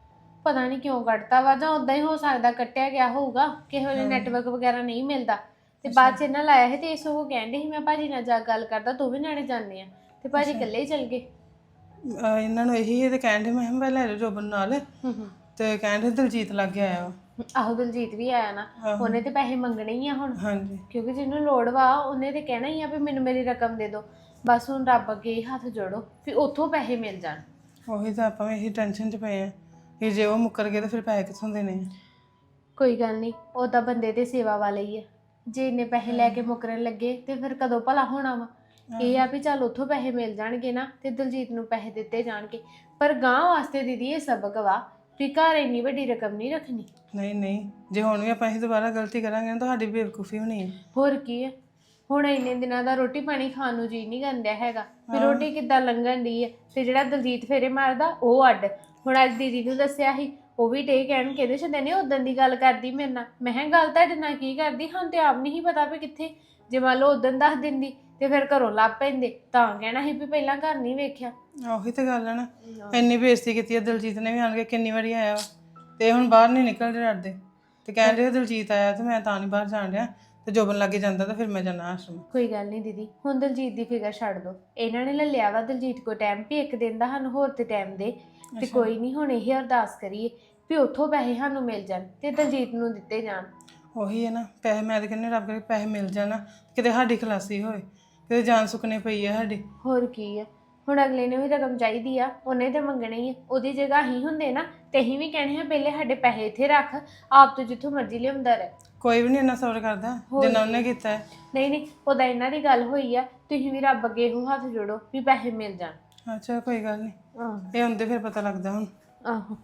ਪਤਾ ਨਹੀਂ ਕਿਉਂ ਕੱਟਤਾ ਵਾ, ਜਾਂ ਉਦਾਂ ਹੀ ਹੋ ਸਕਦਾ ਕੱਟਿਆ ਗਿਆ ਹੋਊਗਾ, ਕਿਸੇ ਵੇਲੇ ਨੈਟਵਰਕ ਵਗੈਰਾ ਨਹੀਂ ਮਿਲਦਾ। ਤੇ ਬਾਅਦ ਚ ਇਹਨਾਂ ਲਾਇਆ ਸੀ ਤੇ ਇਸ ਉਹ ਕਹਿੰਦੇ ਸੀ ਮੈਂ ਭਾਜੀ ਨਾਲ ਜਾ ਗੱਲ ਕਰਦਾ, ਤੂੰ ਵੀ ਨਾਲੇ ਜਾਂਦੇ ਆ, ਤੇ ਭਾਜੀ ਇਕੱਲੇ ਹੀ ਚਲ ਗਏ।
ਇਹਨਾਂ ਨੂੰ ਇਹੀ ਤੇ ਕਹਿੰਦੇ ਮੈਂ ਕਿਹਾ ਲੈ ਜਾਓ ਜੋਬਨ ਨਾਲ, ਤੇ ਕਹਿੰਦੇ ਦਲਜੀਤ ਲੱਗ ਗਿਆ ਆਇਆ ਵਾ।
ਆਹੋ ਦਲਜੀਤ ਵੀ ਆਇਆ ਨਾ, ਉਹਨੇ ਤੇ ਪੈਸੇ ਮੰਗਣੇ ਹੀ ਆ ਹੁਣ,
ਹਾਂਜੀ
ਕਿਉਂਕਿ ਜਿਹਨੂੰ ਲੋੜ ਵਾ ਉਹਨੇ ਤੇ ਕਹਿਣਾ ਹੀ ਆ ਵੀ ਮੈਨੂੰ ਮੇਰੀ ਰਕਮ ਦੇ ਦਿਓ। ਬਸ ਹੁਣ ਰੱਬ ਅੱਗੇ ਹੱਥ ਜੋੜੋ ਵੀ ਉੱਥੋਂ ਪੈਸੇ ਮਿਲ ਜਾਣ।
ਉਹੀ ਤਾਂ ਆਪਾਂ ਵੀ ਇਹੀ ਟੈਨਸ਼ਨ 'ਚ ਪਏ ਆ ਕਿ ਜੇ ਉਹ ਮੁੱਕਰ ਗਏ ਤਾਂ ਫਿਰ ਪੈਸੇ ਕਿੱਥੋਂ ਦੇਣੇ ਆ।
ਕੋਈ ਗੱਲ ਨਹੀਂ, ਉਹ ਤਾਂ ਬੰਦੇ ਦੇ ਸੇਵਾ ਵਾਲੇ ਹੀ ਆ, ਜੇ ਇੰਨੇ ਪੈਸੇ ਲੈ ਕੇ ਮੁੱਕਰਨ ਲੱਗੇ ਤੇ ਫਿਰ ਕਦੋਂ ਭਲਾ ਹੋਣਾ ਵਾ। ਇਹ ਆ ਵੀ ਚੱਲ ਉੱਥੋਂ ਪੈਸੇ ਮਿਲ ਜਾਣਗੇ ਨਾ ਤੇ ਦਲਜੀਤ ਨੂੰ ਪੈਸੇ ਦਿੱਤੇ ਜਾਣਗੇ, ਪਰ ਗਾਂ ਵਾਸਤੇ ਦੀਦੀ ਇਹ ਸਬਕ ਵਾ ਵੀ ਘਰ ਇੰਨੀ ਵੱਡੀ ਰਕਮ ਨਹੀਂ ਰੱਖਣੀ।
ਨਹੀਂ ਜੇ ਹੁਣ ਵੀ ਆਪਾਂ ਇਹ ਦੁਬਾਰਾ ਗਲਤੀ ਕਰਾਂਗੇ ਨਾ ਤੁਹਾਡੀ ਬੇਵਕੂਫੀ ਹੋਣੀ ਹੈ।
ਹੋਰ ਕੀ ਹੈ, ਹੁਣ ਇੰਨੇ ਦਿਨਾਂ ਦਾ ਰੋਟੀ ਪਾਣੀ ਖਾਣ ਨੂੰ ਜੀ ਨਹੀਂ ਕਰਦਾ ਹੈਗਾ, ਵੀ ਰੋਟੀ ਕਿੱਦਾਂ ਲੰਘਣ ਦੀ ਹੈ। ਤੇ ਜਿਹੜਾ ਦਲਜੀਤ ਫੇਰੇ ਮਾਰਦਾ ਉਹ ਅੱਡ। ਹੁਣ ਅੱਜ ਦੀਦੀ ਨੂੰ ਦੱਸਿਆ ਸੀ, ਉਹ ਵੀ ਡੇ ਕਹਿਣ ਕਿਹਦੇ ਛੱਡੇ ਨੇ ਉਦੋਂ ਦੀ ਗੱਲ ਕਰਦੀ ਮੇਰੇ ਨਾਲ। ਮੈਂ ਕਿਹਾ ਗੱਲ ਤੁਹਾਡੇ ਨਾਲ ਕੀ ਕਰਦੀ, ਹਾਂ ਤੇ ਆਪ ਨਹੀਂ ਪਤਾ ਵੀ ਕਿੱਥੇ। ਜੇ ਮੰਨ ਲਓ ਉਦੋਂ ਦੱਸ ਦਿੰਦੀ ਤੇ ਫਿਰ ਘਰੋਂ ਲੱਭ ਪੈਂਦੇ, ਤਾਂ ਕਹਿਣਾ ਸੀ ਵੀ ਪਹਿਲਾਂ ਘਰ ਨਹੀਂ ਵੇਖਿਆ।
ਉਹੀ ਤਾਂ ਗੱਲ ਹੈ ਨਾ, ਇੰਨੀ ਬੇਇੱਜ਼ਤੀ ਕੀਤੀ ਹੈ ਦਲਜੀਤ ਨੇ ਵੀ ਆਣ ਕੇ, ਕਿੰਨੀ ਵਾਰੀ ਆਇਆ ਵਾ ਤੇ ਹੁਣ ਬਾਹਰ ਨਹੀਂ ਨਿਕਲਦੇ ਡਰਦੇ, ਤੇ ਕਹਿੰਦੇ ਦਲਜੀਤ ਆਇਆ ਤੇ ਮੈਂ ਤਾਂ ਨਹੀਂ ਬਾਹਰ ਜਾਣ ਰਿਹਾ, ਤੇ ਜੋਬਨ ਲੱਗੇ ਜਾਂਦਾ ਤਾਂ ਫਿਰ ਮੈਂ ਜਾਣਾ ਆਸ਼ਰਮ।
ਕੋਈ ਗੱਲ ਨਹੀਂ ਦੀਦੀ, ਹੁਣ ਦਲਜੀਤ ਦੀ ਫਿਕਰ ਛੱਡ ਦੋ। ਇਹਨਾਂ ਨੇ ਲੈ ਲਿਆ ਵਾ ਦਲਜੀਤ ਕੋ ਟਾਈਮ ਵੀ ਇੱਕ ਦਿਨ ਦਾ ਸਾਨੂੰ ਹੋਰ ਤੇ ਟਾਈਮ ਦੇ, ਤੇ ਕੋਈ ਨਹੀਂ ਹੁਣ ਇਹ ਅਰਦਾਸ ਕਰੀਏ ਵੀ ਉੱਥੋਂ ਪੈਸੇ ਸਾਨੂੰ ਮਿਲ ਜਾਣ ਤੇ ਦਲਜੀਤ ਨੂੰ ਦਿੱਤੇ ਜਾਣ।
ਉਹੀ ਹੈ ਨਾ, ਪੈਸੇ ਮੈਂ ਤਾਂ ਕਹਿੰਦੀ ਰੱਬ ਕਰੇ ਪੈਸੇ ਮਿਲ ਜਾਣ, ਕਿਤੇ ਸਾਡੀ ਖਲਾਸੀ ਹੋਏ, ਕਿਤੇ ਜਾਨ ਸੁੱਕਣੇ ਪਈ ਹੈ ਸਾਡੀ।
ਹੋਰ ਕੀ ਆ, ਹੁਣ ਅਗਲੇ ਨੇ ਵੀ ਰਕਮ ਚਾਹੀਦੀ ਆ, ਉਹਨੇ ਤੇ ਮੰਗਣੀ ਹੀ ਆ। ਉਹਦੀ ਜਗ੍ਹਾ ਹੀ ਹੁੰਦੇ ਨਾ ਤੇ ਅਸੀਂ ਵੀ ਕਹਿਣੇ ਆ ਪਹਿਲੇ ਸਾਡੇ ਪੈਸੇ ਇੱਥੇ ਰੱਖ, ਆਪ ਤੋਂ ਜਿੱਥੋਂ ਮਰਜ਼ੀ ਲਿਆਉਂਦਾ ਰਹਿ।
ਕੋਈ ਵੀ ਨਹੀਂ ਇੰਨਾ ਸਬਰ ਕਰਦਾ ਜਿੰਨਾ ਉਹਨੇ ਕੀਤਾ ਹੈ।
ਨਹੀਂ ਉਹਦਾ ਇਹਨਾਂ ਦੀ ਗੱਲ ਹੋਈ ਆ, ਤੁਸੀਂ ਵੀ ਰੱਬ ਅੱਗੇ ਇਹੋ ਹੱਥ ਜੋੜੋ ਵੀ ਪੈਸੇ ਮਿਲ ਜਾਣ।
ਅੱਛਾ ਕੋਈ ਗੱਲ ਨਹੀਂ,
ਆਹ
ਇਹ ਹੁੰਦੇ ਫਿਰ ਪਤਾ ਲੱਗਦਾ। ਹੁਣ
ਆਹੋ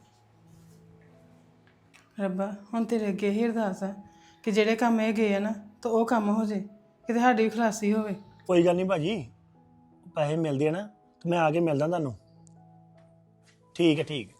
ਰੱਬਾ ਹੁਣ ਤੇਰੇ ਅੱਗੇ ਹੀ ਅਰਦਾਸ ਹੈ ਕਿ ਜਿਹੜੇ ਕੰਮ ਇਹ ਗਏ ਆ ਨਾ ਤਾਂ ਉਹ ਕੰਮ ਹੋ ਜੇ, ਕਿਤੇ ਸਾਡੀ ਵੀ ਖਲਾਸੀ ਹੋਵੇ।
ਕੋਈ ਗੱਲ ਨਹੀਂ ਭਾਜੀ, ਪੈਸੇ ਮਿਲਦੇ ਆ ਨਾ ਤੇ ਮੈਂ ਆ ਕੇ ਮਿਲਦਾ ਤੁਹਾਨੂੰ। ਠੀਕ ਹੈ ਠੀਕ ਹੈ।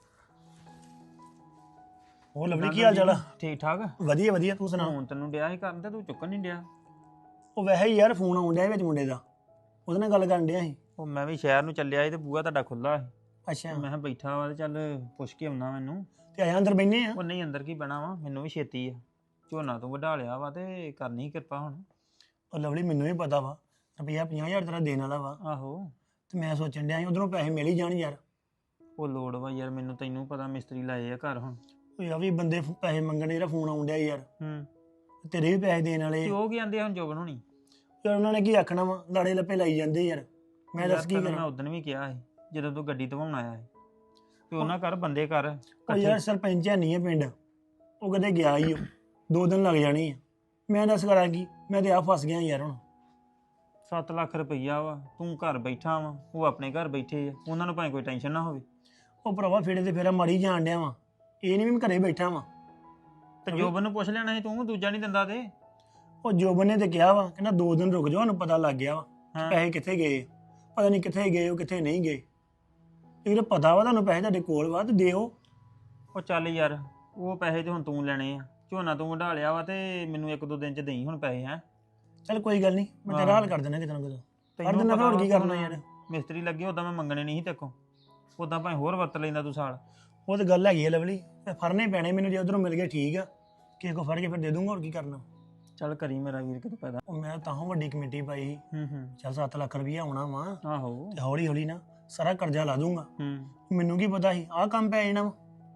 ਉਹ ਲਵਲੀ ਕੀ ਹਾਲ ਚਾਲ ਆ?
ਠੀਕ ਠਾਕ।
ਵਧੀਆ ਵਧੀਆ, ਤੂੰ ਸੁਣਾ?
ਹੁਣ ਤੈਨੂੰ ਡਿਆ ਸੀ ਕਰਨ ਤੇ ਤੂੰ ਚੁੱਕਣ ਨਹੀਂ ਡਿਆ।
ਉਹ ਵੈਸੇ ਹੀ ਯਾਰ ਫੋਨ ਆਉਣ ਡਿਆ ਵਿੱਚ ਮੁੰਡੇ ਦਾ, ਉਹਦੇ ਨਾਲ ਗੱਲ ਕਰਨ ਡਿਆ ਸੀ।
ਉਹ ਮੈਂ ਵੀ ਸ਼ਹਿਰ ਨੂੰ ਚੱਲਿਆ ਸੀ ਤੇ ਬੂਹਾ ਤੁਹਾਡਾ ਖੁੱਲਾ ਸੀ,
ਅੱਛਾ,
ਮੈਂ ਕਿਹਾ ਬੈਠਾ ਵਾ ਤੇ ਚੱਲ ਪੁੱਛ ਕੇ ਆਉਣਾ ਮੈਨੂੰ।
ਤੇ ਆਇਆ ਅੰਦਰ ਬੈਠੇ ਆ।
ਉਹ ਨਹੀਂ ਅੰਦਰ ਕੀ ਬਹਿਣਾ ਵਾ, ਮੈਨੂੰ ਵੀ ਛੇਤੀ ਆ, ਝੋਨਾ ਤੂੰ ਵਢਾ ਲਿਆ ਵਾ ਤੇ ਕਰਨੀ ਕਿਰਪਾ ਹੁਣ।
ਉਹ ਲਵਲੀ ਮੈਨੂੰ ਵੀ ਪਤਾ ਵਾ, ਰੁਪਈਆ 50,000 ਤੇਰਾ ਦੇਣ ਵਾਲਾ ਵਾ,
ਆਹੋ
ਤੇ ਮੈਂ ਸੋਚਣ ਡਿਆ ਸੀ ਉਧਰੋਂ ਪੈਸੇ ਮਿਲ ਹੀ ਜਾਣ ਯਾਰ।
ਉਹ ਲੋੜ ਵਾ ਯਾਰ, ਮੈਨੂੰ ਤੈਨੂੰ ਪਤਾ ਮਿਸਤਰੀ ਲਾਏ ਆ ਘਰ ਹੁਣ।
ਉਹ ਆ ਵੀ ਬੰਦੇ ਪੈਸੇ ਮੰਗਣ ਜਿਹੜਾ ਫੋਨ ਆਉਣ ਡਿਆ ਯਾਰ, ਤੇਰੇ ਵੀ ਪੈਸੇ ਦੇਣ ਵਾਲੇ।
ਤੇ ਉਹ ਕੀ ਆਂਦੇ ਆ ਹੁਣ ਜੋਬਨ ਹੋਣੀ?
ਯਾਰ ਉਹਨਾਂ ਨੇ ਕੀ ਆਖਣਾ ਵਾ, ਲਾੜੇ ਲੱਪੇ ਲਾਈ ਜਾਂਦੇ ਯਾਰ, ਮੈਂ ਦੱਸ ਕੀ
ਮੈਂ
ਕਰਾਂ।
ਉਦੋਂ ਵੀ ਕਿਹਾ ਸੀ ਜਦੋਂ ਤੂੰ ਗੱਡੀ ਧਵਾਉਣ ਆਇਆ ਸੀ, ਤੇ ਉਹਨਾਂ ਘਰ ਬੰਦੇ ਕਰ
ਉਹ ਯਾਰ ਸਰਪੰਚ ਹੈ ਨਹੀਂ ਹੈ ਪਿੰਡ, ਉਹ ਕਦੇ ਗਿਆ ਹੀ ਉਹ 2 ਦਿਨ ਲੱਗ ਜਾਣੇ ਆ, ਮੈਂ ਦੱਸ ਕਰਾਂ ਕੀ, ਮੈਂ ਤੇ ਆ ਫਸ ਗਿਆ ਯਾਰ। ਹੁਣ
7 ਲੱਖ ਰੁਪਈਆ ਵਾ, ਤੂੰ ਘਰ ਬੈਠਾ ਵਾ, ਉਹ ਆਪਣੇ ਘਰ ਬੈਠੇ ਆ, ਉਹਨਾਂ ਨੂੰ ਭਾਵੇਂ ਕੋਈ ਟੈਨਸ਼ਨ ਨਾ ਹੋਵੇ।
ਉਹ ਭਰਾਵਾ ਫੇੜੇ ਤੇ ਫੇਰਾ ਮਾਰੀ ਜਾਣ ਡਿਆ ਵਾ, ਇਹ ਨਹੀਂ ਵੀ ਮੈਂ ਘਰੇ ਬੈਠਾ ਵਾਂ।
ਤੇ ਜੋਬਨ ਨੂੰ ਪੁੱਛ ਲੈਣਾ ਸੀ ਤੂੰ, ਦੂਜਾ ਨਹੀਂ ਦਿੰਦਾ ਤੇ।
ਉਹ ਜੋਬਨ ਨੇ ਤੇ ਕਿਹਾ ਵਾ, ਕਹਿੰਦਾ 2 ਦਿਨ ਰੁਕ ਜਾਓ, ਉਹਨੂੰ ਪਤਾ ਲੱਗ ਗਿਆ ਵਾ
ਹਾਂ।
ਪੈਸੇ ਕਿੱਥੇ ਗਏ, ਪਤਾ ਨਹੀਂ ਕਿੱਥੇ ਗਏ ਉਹ ਕਿੱਥੇ ਨਹੀਂ ਗਏ। ਇਹ ਪਤਾ ਵਾ ਤੁਹਾਨੂੰ ਪੈਸੇ ਤੁਹਾਡੇ ਕੋਲ ਵਾ ਤੇ ਦਿਓ।
ਉਹ ਚੱਲ ਯਾਰ, ਉਹ ਪੈਸੇ ਤੇ ਹੁਣ ਤੂੰ ਲੈਣੇ ਆ, ਝੋਨਾ ਤੂੰ ਵਢਾ ਲਿਆ ਵਾ ਤੇ ਮੈਨੂੰ 1-2 ਦਿਨ ਚ ਦੇਈ ਹੁਣ ਪੈਸੇ। ਹੈ
ਚੱਲ ਕੋਈ ਗੱਲ ਨਹੀਂ, ਮੈਂ ਤੇਰਾ ਹਾਲ ਕਰ ਦਿੰਦਾ ਕਿਤੇ ਨਾ ਕਿਤੇ, ਕਰ ਦਿੰਦਾ, ਹੋਰ ਕੀ ਕਰਨਾ ਯਾਰ।
ਮਿਸਤਰੀ ਲੱਗੇ ਉਦਾਂ ਮੈਂ ਮੰਗਣੇ ਨਹੀਂ ਸੀ ਤੇਕੋ, ਉਦਾਂ ਭਾਵੇਂ ਹੋਰ ਵਰਤ ਲੈਂਦਾ ਤੂੰ ਸਾਲ।
ਉਹ ਤਾਂ ਗੱਲ ਹੈਗੀ ਆ ਲਵਲੀ, ਤੇ ਫੜਨੇ ਪੈਣੇ ਮੈਨੂੰ, ਜੇ ਉਧਰੋਂ ਮਿਲ ਗਏ ਠੀਕ ਆ, ਕਿਸੇ ਕੋ ਫੜ ਕੇ ਫਿਰ ਦੇ ਦੂੰਗਾ, ਹੋਰ ਕੀ ਕਰਨਾ।
ਚੱਲ ਕਰੀ ਮੇਰਾ ਵੀਰ ਕਿਤੇ ਪੈਦਾ।
ਉਹ ਮੈਂ ਤਾਂ ਵੱਡੀ ਕਮੇਟੀ ਪਾਈ ਸੀ, ਚੱਲ 7 ਲੱਖ ਰੁਪਈਆ ਆਉਣਾ ਵਾ,
ਆਹੋ
ਤੇ ਹੌਲੀ ਹੌਲੀ ਨਾ ਸਾਰਾ ਕਰਜ਼ਾ ਲਾ ਦੂੰਗਾ।
ਹੂੰ
ਮੈਨੂੰ ਕੀ ਪਤਾ ਸੀ ਆਹ ਕੰਮ ਪੈ ਜਾਣਾ ਵਾ।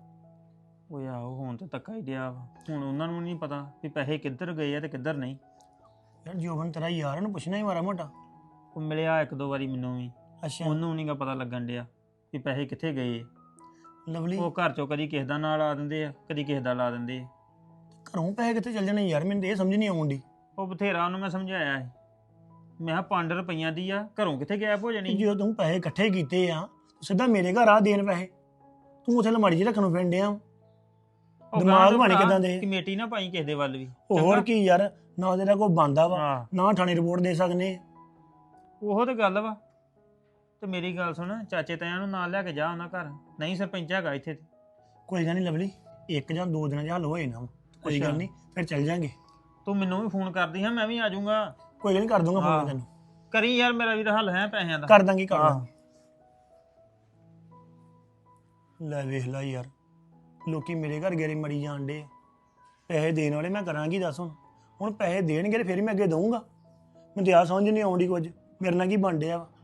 ਉਹ ਆਹੋ ਹੁਣ ਤੇ ਧੱਕਾ ਹੀ ਡਿਆ ਵਾ, ਹੁਣ ਉਹਨਾਂ ਨੂੰ ਨਹੀਂ ਪਤਾ ਵੀ ਪੈਸੇ ਕਿੱਧਰ ਗਏ ਆ ਤੇ ਕਿੱਧਰ ਨਹੀਂ।
ਯਾਰ ਜੋਬਨ ਤੇਰਾ ਯਾਰ, ਉਹਨੂੰ ਪੁੱਛਣਾ ਹੀ ਮਾਰਾ ਮੋਟਾ।
ਉਹ ਮਿਲਿਆ 1-2 ਵਾਰੀ ਮੈਨੂੰ ਵੀ,
ਅੱਛਾ
ਉਹਨੂੰ ਨਹੀਂਗਾ ਪਤਾ ਲੱਗਣ ਡਿਆ ਵੀ ਪੈਸੇ ਕਿੱਥੇ ਗਏ।
ਲਵਲੀ,
ਉਹ ਘਰ ਚੋਂ ਕਦੀ ਕਿਸੇ ਦਾ ਨਾਂ ਲਾ ਦਿੰਦੇ ਆ, ਕਦੀ ਕਿਸੇ ਦਾ ਲਾ ਦਿੰਦੇ ਆ।
ਘਰੋਂ ਪੈਸੇ ਕਿੱਥੇ ਚੱਲ ਜਾਣੇ ਯਾਰ, ਮੈਨੂੰ ਤੇ ਇਹ ਸਮਝ ਨਹੀਂ ਆਉਂਦੀ।
ਉਹ ਬਥੇਰਾ ਉਹਨੂੰ ਮੈਂ ਸਮਝਾਇਆ ਸੀ, ਮੈਂ ਕਿਹਾ 5 ਰੁਪਈਆਂ ਦੀ ਆ, ਘਰੋਂ ਕਿੱਥੇ ਗਾਇਬ ਹੋ ਜਾਣੀ।
ਜੇ ਤੂੰ ਪੈਸੇ ਇਕੱਠੇ ਕੀਤੇ ਆ, ਸਿੱਧਾ ਮੇਰੇ ਘਰ ਆ ਦੇਣ ਪੈਸੇ, ਤੂੰ ਉੱਥੇ ਲਮਾੜੀ 'ਚ ਰੱਖਣ ਨੂੰ ਫਿਰਨ ਡਿਆ।
ਉਹ
ਦਿਮਾਗ
ਗਾਂਹ ਤੋਂ
ਬਣ
ਭਰਾ
ਕਿੱਦਾਂ ਦੇ?
ਕਮੇਟੀ ਨਾ ਪਾਈ ਕਿਸੇ ਦੇ ਵੱਲ ਵੀ।
ਉਹ ਹੋਰ ਕੀ ਯਾਰ, ਨਾ ਤੇਰਾ ਕੋਈ ਬੰਦਾ ਵਾ,
ਹਾਂ
ਨਾ ਥਾਣੇ ਰਿਪੋਰਟ ਦੇ ਸਕਨੇ।
ਉਹੋ ਤੇ ਗੱਲ ਵਾ। ਤੇ ਮੇਰੀ ਗੱਲ ਸੁਣ, ਚਾਚੇ ਤਾਇਆਂ ਨੂੰ ਨਾਲ ਲੈ ਕੇ ਜਾ ਉਹਨਾਂ ਘਰ, ਨਹੀਂ ਸਰਪੰਚ ਹੈਗਾ ਇੱਥੇ ਤੇ।
ਕੋਈ ਗੱਲ ਨਹੀਂ ਲਵਲੀ, 1 ਜਾਂ 2 ਦਿਨਾਂ 'ਚ ਹੱਲ ਹੋਏ ਨਾ, ਕੋਈ ਗੱਲ ਨਹੀਂ, ਫਿਰ ਚੱਲ ਜਾਂਗੇ।
ਤੂੰ ਮੈਨੂੰ ਵੀ ਫੋਨ ਕਰਦੀ ਹਾਂ, ਮੈਂ ਵੀ ਆ ਜਾਊਂਗਾ।
ਕੋਈ ਗੱਲ ਨਹੀਂ, ਕਰ ਦੂੰਗਾ ਫੋਨ ਤੈਨੂੰ।
ਕਰੀ ਯਾਰ, ਮੇਰਾ ਵੀਰ ਹੱਲ ਹੈ ਪੈਸਿਆਂ ਦਾ।
ਕਰ ਦਾਂਗੇ ਕਰ ਦਾਂਗੇ। ਲੈ ਵੇਖ ਲੈ ਯਾਰ, ਲੋਕੀ ਮੇਰੇ ਘਰ ਗੇਰੇ ਮਰੀ ਜਾਣ ਡੇ ਪੈਸੇ ਦੇਣ ਵਾਲੇ, ਮੈਂ ਕਰਾਂਗੀ ਦੱਸ ਹੁਣ ਪੈਸੇ ਦੇਣਗੇ ਤੇ ਫਿਰ ਮੈਂ ਅੱਗੇ ਦਊਂਗਾ। ਮੈਨੂੰ ਤੇ ਆ ਸਮਝ ਨਹੀਂ ਆਉਂਦੀ ਕੁਝ ਮੇਰੇ ਨਾਲ ਕੀ ਬਣ ਡਿਆ ਵਾ।